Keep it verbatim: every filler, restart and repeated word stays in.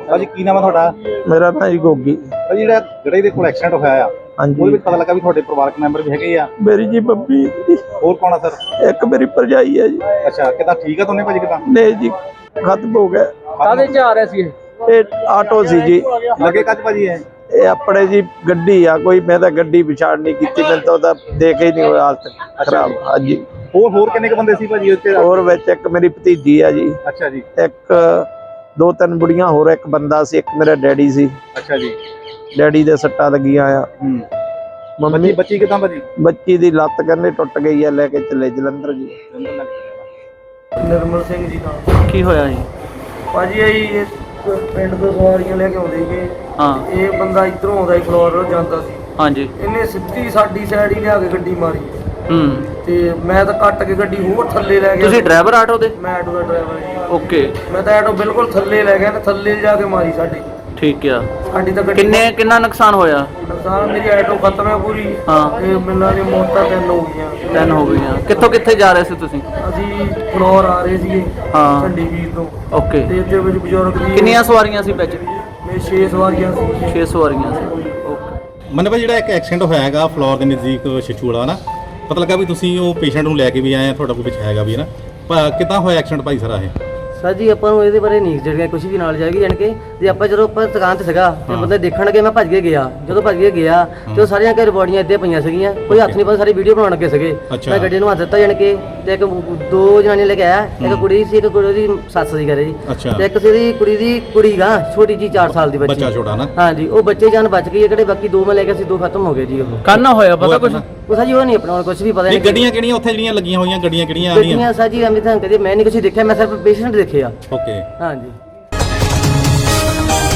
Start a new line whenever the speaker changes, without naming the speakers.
ਭਾਜੀ ਕੀ ਨਾਮ ਹੈ ਤੁਹਾਡਾ?
ਮੇਰਾ ਨਾਂ ਜੀ ਗੋਗੀ।
ਭਾਜੀ ਜਿਹੜਾ ਗੜੇ ਦੇ ਕੋਲ ਐਕਸੀਡੈਂਟ ਹੋਇਆ ਆ,
ਹਾਂਜੀ,
ਉਹਦੇ ਵਿੱਚ ਪਤਾ ਲੱਗਾ ਵੀ ਤੁਹਾਡੇ ਪਰਿਵਾਰਕ ਮੈਂਬਰ ਵੀ ਹੈਗੇ ਆ।
ਮੇਰੀ ਜੀ ਬੱਬੀ,
ਹੋਰ ਕੌਣ ਆ ਸਰ?
ਇੱਕ ਮੇਰੀ ਭਰਜਾਈ ਹੈ ਜੀ।
ਅੱਛਾ, ਕਿੱਦਾਂ ਠੀਕ ਆ ਦੋਨੇ ਭਾਜੀ? ਕਿੱਦਾਂ
ਨਹੀਂ ਜੀ, ਖਤਮ ਹੋ ਗਿਆ।
ਕਾਹਦੇ ਚ ਆ ਰਹੇ ਸੀ?
ਇਹ ਆਟੋ ਸੀ ਜੀ।
ਲੱਗੇ ਕੱਜ ਭਾਜੀ ਇਹ?
ਇਹ ਆਪਣੇ ਜੀ ਗੱਡੀ ਆ ਕੋਈ, ਮੈਂ ਤਾਂ ਗੱਡੀ ਵਿਚਾਰ ਨਹੀਂ ਕੀਤੀ, ਮੈਨੂੰ ਤਾਂ ਉਹਦਾ ਦੇਖ ਹੀ ਨਹੀਂ ਹੋਇਆ ਹਾਲਤ ਖਰਾਬ। ਹਾਂਜੀ।
ਹੋਰ ਹੋਰ ਕਿੰਨੇ ਕ ਬੰਦੇ ਸੀ ਭਾਜੀ ਉੱਤੇ?
ਹੋਰ ਵਿੱਚ ਇੱਕ ਮੇਰੀ ਭਤੀਜੀ ਆ ਜੀ।
ਅੱਛਾ ਜੀ।
ਇੱਕ ਦੋ ਤਿੰਨ ਬੁੜੀਆਂ ਹੋਰ, ਇੱਕ ਬੰਦਾ ਸੀ, ਇੱਕ ਮੇਰਾ ਡੈਡੀ ਸੀ।
ਅੱਛਾ ਜੀ।
ਡੈਡੀ ਦੇ ਸੱਟਾਂ ਲੱਗੀਆਂ ਆ।
ਹੂੰ।
ਮੰਮੀ
ਬੱਚੀ ਕਿਦਾਂ ਭਾਜੀ?
ਬੱਚੀ ਦੀ ਲੱਤ ਕਹਿੰਦੇ ਟੁੱਟ ਗਈ ਆ, ਲੈ ਕੇ ਚੱਲੇ ਜਲੰਧਰ ਜੀ।
ਨਿਰਮਲ ਸਿੰਘ ਜੀ ਨਾਲ।
ਕੀ ਹੋਇਆ ਜੀ?
ਭਾਜੀ ਇਹ ਪਿੰਡ ਤੋਂ ਸਵਾਰੀਆਂ ਲੈ ਕੇ ਆਉਂਦੇ ਸੀਗੇ।
ਹਾਂ।
ਇਹ ਬੰਦਾ ਇਧਰੋਂ ਆਉਂਦਾ ਸੀ, ਫਲੋਰ ਜਾਂਦਾ ਸੀ।
ਹਾਂਜੀ।
ਇਹਨੇ ਸਿੱਧੀ ਸਾਡੀ ਸਾਈਡ ਹੀ ਲਿਆ ਕੇ ਗੱਡੀ ਮਾਰੀ।
ਹੂੰ।
ਤੇ ਮੈਂ ਤਾਂ ਕੱਟ ਕੇ ਗੱਡੀ ਹੋਰ ਥੱਲੇ ਲੈ ਗਿਆ।
ਤੁਸੀਂ ਡਰਾਈਵਰ ਆਟੋ ਦੇ?
ਮੈਂ ਆਟੋ ਦਾ ਡਰਾਈਵਰ ਜੀ।
ਓਕੇ।
ਮੈਂ ਤਾਂ ਆਟੋ ਬਿਲਕੁਲ ਥੱਲੇ ਲੈ ਗਿਆ ਤੇ ਥੱਲੇ ਜਾ ਕੇ ਮਾਰੀ ਸਾਡੀ।
ਠੀਕ ਆ।
ਸਾਡੀ ਤਾਂ ਗੱਡੀ
ਕਿੰਨੇ ਕਿੰਨਾ ਨੁਕਸਾਨ ਹੋਇਆ?
ਨੁਕਸਾਨ ਮੇਰੀ ਆਟੋ ਖਤਮ ਹੈ ਪੂਰੀ।
ਹਾਂ।
ਤੇ ਮਿਲਾਂ ਦੀ ਮੌਤਾਂ ਤਿੰਨ ਹੋ ਗਈਆਂ।
ਤਿੰਨ ਹੋ ਗਈਆਂ। ਕਿੱਥੋਂ ਕਿੱਥੇ ਜਾ ਰਹੇ ਸੀ ਤੁਸੀਂ?
ਅਸੀਂ ਫਲੋਰ ਆ ਰਹੇ ਸੀਗੇ।
ਹਾਂ।
ਝੰਡੀ ਵੀਰ ਤੋਂ।
ਓਕੇ।
ਤੇ ਇਹਦੇ ਵਿੱਚ ਬਜ਼ੁਰਗ ਵੀ
ਕਿੰਨੀਆਂ ਸਵਾਰੀਆਂ ਸੀ ਵਿੱਚ?
ਮੇਰੇ ਛੇ ਸਵਾਰੀਆਂ ਸੀ।
ਛੇ ਸਵਾਰੀਆਂ ਸੀ। ਓਕੇ।
ਮਨ ਭਾਈ ਜਿਹੜਾ ਇੱਕ ਐਕਸੀਡੈਂਟ ਹੋਇਆ ਹੈਗਾ ਫਲੋਰ ਦੇ ਨਜ਼ਦੀਕ ਛਿਛੂ ਵਾਲਾ ਨਾ, ਪਤਾ ਲੱਗਾ ਵੀ ਤੁਸੀਂ ਉਹ ਪੇਸ਼ੈਂਟ ਨੂੰ ਲੈ ਕੇ ਵੀ ਆਏ ਆ, ਤੁਹਾਡਾ ਕੋਈ ਵਿੱਚ ਹੈਗਾ ਵੀ ਹੈ ਨਾ, ਕਿੱਦਾਂ ਹੋਇਆ ਐਕਸੀਡੈਂਟ ਭਾਈ ਸਾਰਾ ਇਹ?
ਸਰ ਜੀ ਆਪਾਂ ਨੂੰ ਇਹਦੇ ਬਾਰੇ ਨਹੀਂ ਜਿਹੜੀਆਂ ਕੁਝ ਵੀ ਨਾਲ ਜਾਏਗੀ, ਜਾਣ ਕੇ ਜੇ ਆਪਾਂ ਜਦੋਂ ਆਪਾਂ ਦੁਕਾਨ ਤੇ ਸੀਗਾ ਤੇ ਬੰਦੇ ਦੇਖਣ ਲੱਗੇ, ਮੈਂ ਭੱਜ ਕੇ ਗਿਆ। ਜਦੋਂ ਭੱਜ ਕੇ ਗਿਆ ਤੇ ਉਹ ਸਾਰੀਆਂ ਘਰ ਬੋਡੀਆਂ ਇੱਥੇ ਪਈਆਂ ਸੀਗੀਆਂ, ਕੋਈ ਹੱਥ ਨਹੀਂ ਪਾਉਂਦਾ, ਸਾਰੀ ਵੀਡੀਓ ਬਣਾਉਣ ਲੱਗੇ ਸੀਗੇ। ਮੈਂ ਗੱਡੀ ਨੂੰ ਹੱਥ ਦਿੱਤਾ ਜਾਣ ਕੇ, ਤੇ ਇੱਕ ਦੋ ਜਨਾਨੀਆਂ ਲੈ ਕੇ ਆਇਆ, ਇੱਕ ਕੁੜੀ ਸੀ, ਇੱਕ ਕੁੜੀ ਦੀ ਸੱਸ ਸੀ ਘਰੇ ਜੀ, ਤੇ ਇੱਕ ਸੀ ਦੀ ਕੁੜੀ ਦੀ ਕੁੜੀ ਗਾ ਛੋਟੀ ਜੀ ਚਾਰ ਸਾਲ ਦੀ ਬੱਚੀ।
ਬੱਚਾ ਛੋਟਾ ਨਾ?
ਹਾਂਜੀ। ਉਹ ਬੱਚੇ ਜਾਨ ਬਚ ਗਈ, ਕਿਹੜੇ ਬਾਕੀ ਦੋ ਮੈਂ ਲੈ ਕੇ ਸੀ, ਦੋ ਖਤਮ ਹੋ ਗਏ ਜੀ। ਉਹ
ਕੰਨ ਹੋਇਆ ਪਤਾ ਕੁਝ?
ਉਹ ਸਾਜੀ ਉਹ ਨਹੀਂ ਆਪਣਾ ਕੁਝ ਵੀ ਪਤਾ
ਨਹੀਂ। ਗੱਡੀਆਂ ਕਿਹੜੀਆਂ ਉੱਥੇ ਜਿਹੜੀਆਂ ਲੱਗੀਆਂ ਹੋਈਆਂ, ਗੱਡੀਆਂ ਕਿਹੜੀਆਂ ਆ
ਰਹੀਆਂ? ਗੱਡੀਆਂ ਸਾਜੀ ਅਮਿਤ ਕਦੇ ਮੈਂ ਨਹੀਂ ਕੁਝ ਦੇਖਿਆ, ਮੈਂ ਸਿਰਫ ਪੇਸ਼ੈਂਟ ਦੇਖਿਆ।
ਓਕੇ।
ਹਾਂਜੀ।